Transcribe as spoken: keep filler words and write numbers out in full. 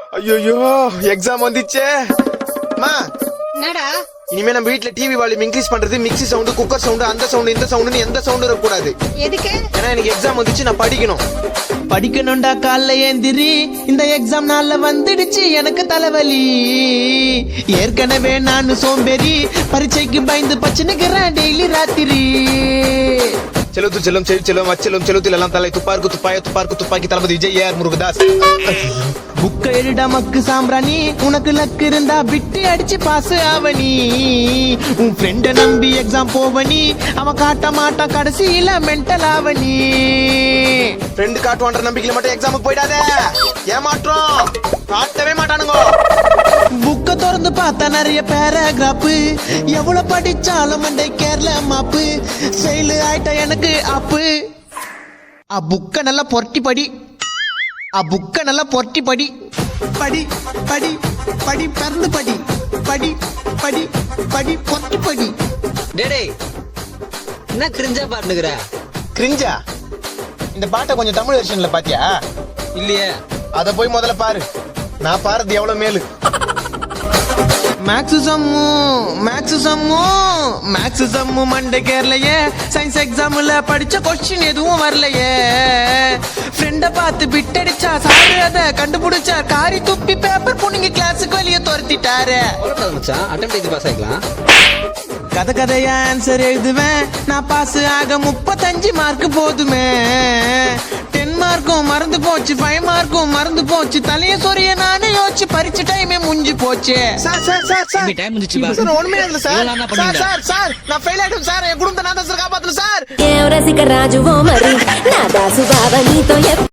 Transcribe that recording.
ஐயோ எக்ஸாம் வந்துச்சே மா. என்னடா இனிமே நம்ம வீட்ல டிவி வால்யூம் இன்க்ரீஸ் பண்றது மிக்ஸி சவுண்ட், குக்கர் சவுண்ட், அந்த சவுண்ட், இந்த சவுண்ட்னு எந்த சவுண்டும் இருக்க கூடாது. எதுக்கு? ஏன்னா எனக்கு எக்ஸாம் வந்துச்சு, நான் படிக்கணும். படிக்கணும்டா காலைல ஏந்திரி, இந்த எக்ஸாம் நாள்ல வந்துடுச்சு எனக்கு தலைவலி. ஏற்கனவே நான் சோம்பேறி, பரீட்சைக்கு பயந்து பச்சனுக்குறேன் டெய்லி ராத்திரி. செலுத்து செல்லும் செழு செல்லும் அச்செல்லும் செலுத்தில் எல்லாம் தலை துப்பாருக்கு துப்பாய துப்பாருக்கு துப்பாக்கி தளபதி விஜய் ஏஆர் முருகதாஸ். புக்க எழுடா மக்கு சாம்பிராணி, உனக்கு லக்கு இருந்தா விட்டு அடிச்சு பாஸ் ஆவணி. உன் ஃப்ரெண்ட நம்பி எக்ஸாம் போவனி, அவன் காட்ட மாட்டா கடைசியில மென்டல் ஆவணி. ஃப்ரெண்டு காட்டுவான்ற நம்பிக்கையில மட்டும் எக்ஸாமுக்கு போயிடாத, ஏமாற்றம் காட்டவே மாட்டானுங்க. புக்க திறந்து பார்த்தா நிறைய பேராகிராஃப், எவ்வளவு படிச்சாலும் மண்டை கேரள மாப்பு. செயலு ஆயிட்ட எனக்கு அப்பு. ஆ புக்க நல்லா பொரட்டி படி, ஆ புக்க நல்லா பொரட்டி படி. படி படி படி பறந்து படி, படி படி படி பொரட்டி படி. டேடே என்ன கிரிஞ்சா பாட்டுக்கிற? கிரிஞ்சா? இந்த பாட்டை கொஞ்சம் தமிழ் வெர்ஷன்ல பாத்தியா? இல்லையே. அத போய் முதல்ல பாரு, நான் பாருது எவ்வளவு மேலு. Maths sum maths sum maths sum மண்டை கேரளையே. சயின்ஸ் எக்ஸாம்ல படிச்ச கொஸ்டின் எதுவும் வரலையே. ஃப்ரெண்ட பார்த்து பிட்டடிச்சா சாரு அத கண்டுபிடிச்சா, காரி துப்பி பேப்பர் புனிங்க கிளாஸுக்கு வெளியே துரத்திட்டாரு. மச்சான் அட்டெம்ப்ட் எழுதி பாஸ் ஆயிக்கலாம். கதை கதையா ஆன்சர் எழுதுவேன் நான், பாஸ் ஆக முப்பத்தஞ்சு மார்க் போதுமே. டென் மார்க்கும் மறந்து போச்சு, ஃபைவ் மார்க்கும் மறந்து போச்சு. தலைய சொரிய நானே யோசிச்சு பரிச்ச டைமே முடிஞ்சு போச்சு. Sir sir sir sir time முடிஞ்சு பா. சார் ஒண்ணுமே இல்ல சார். சார் சார் சார் நான் ஃபெயில் ஆயிடும் சார், என் குடும்பத்தை நான் தான் சார் காப்பாத்தணும் சார். రసిక రాజువో మరి నా దాసు బావ నీతో